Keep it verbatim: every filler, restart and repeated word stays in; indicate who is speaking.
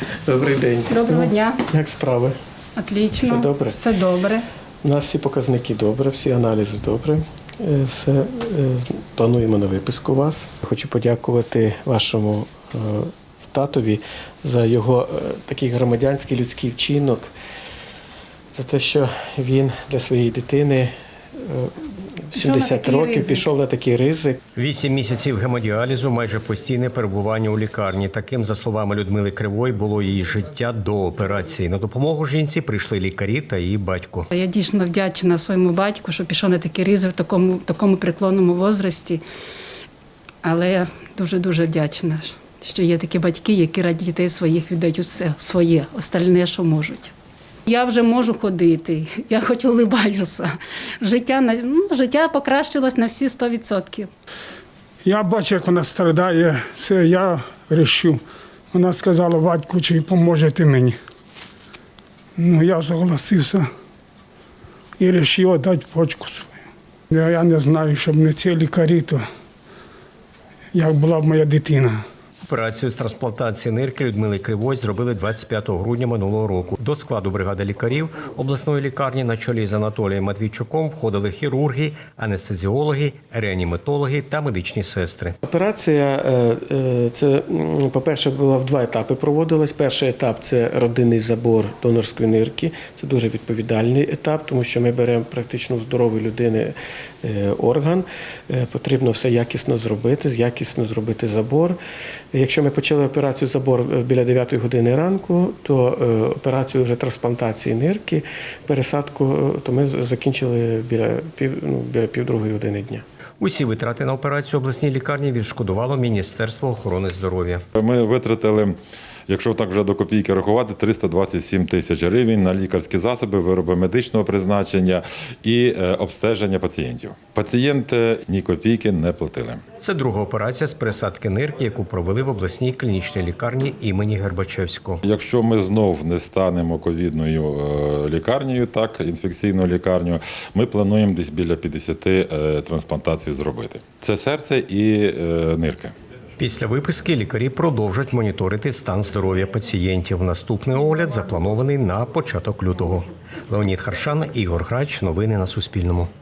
Speaker 1: Добрий день.
Speaker 2: Доброго дня.
Speaker 1: Як справи?
Speaker 2: Отлично.
Speaker 1: Все добре?
Speaker 2: Все добре.
Speaker 1: У нас всі показники добре, всі аналізи добре. Е, Все, е, плануємо на виписку вас. Хочу подякувати вашому е, татові за його е, такий громадянський людський вчинок, за те, що він для своєї дитини е, в сімдесят років
Speaker 2: ризик.
Speaker 1: пішов на такий ризик.
Speaker 3: Вісім місяців гемодіалізу, майже постійне перебування у лікарні. Таким, за словами Людмили Кривої, було її життя до операції. На допомогу жінці прийшли лікарі та її батько.
Speaker 2: Я дійсно вдячна своєму батьку, що пішов на такий ризик в такому, такому преклонному возрасті. Але я дуже-дуже вдячна, що є такі батьки, які раді дітей своїх віддають все своє, остальне, що можуть. Я вже можу ходити, я хоч улибаюся. Життя, на- ну, життя покращилось на всі сто відсотків.
Speaker 4: Я бачу, як вона страдає, все, я рішу. Вона сказала, батьку, чи поможете мені. Ну, я согласився і вирішив дати почку свою. Я, я не знаю, щоб не ці лікарі, то як була б моя дитина.
Speaker 3: Операцію з трансплантації нирки Людмили Кривої зробили двадцять п'ятого грудня минулого року. До складу бригади лікарів обласної лікарні на чолі з Анатолієм Матвійчуком входили хірурги, анестезіологи, реаніматологи та медичні сестри.
Speaker 1: Операція, е, е, це, м, по-перше, була в два етапи проводилась. Перший етап – це родинний забор донорської нирки. Це дуже відповідальний етап, тому що ми беремо практично у здорової людини е, орган. Е, Потрібно все якісно зробити, якісно зробити забор. Якщо ми почали операцію забор біля дев'ятої години ранку, то е, операцію вже трансплантації нирки, пересадку, е, то ми закінчили біля пів, ну, біля півдругої години дня.
Speaker 3: Усі витрати на операцію обласній лікарні відшкодувало Міністерство охорони здоров'я.
Speaker 5: Ми витратили, якщо так вже до копійки рахувати, триста двадцять сім тисяч гривень на лікарські засоби, вироби медичного призначення і е, обстеження пацієнтів. Пацієнти ні копійки не платили.
Speaker 3: Це друга операція з пересадки нирки, яку провели в обласній клінічній лікарні імені Гербачевського.
Speaker 5: Якщо ми знов не станемо ковідною е, лікарнею, так, інфекційною лікарнею, ми плануємо десь біля п'ятдесят е, трансплантацій зробити. Це серце і е, нирки.
Speaker 3: Після виписки лікарі продовжать моніторити стан здоров'я пацієнтів. Наступний огляд запланований на початок лютого. Леонід Харшан, Ігор Грач. Новини на Суспільному.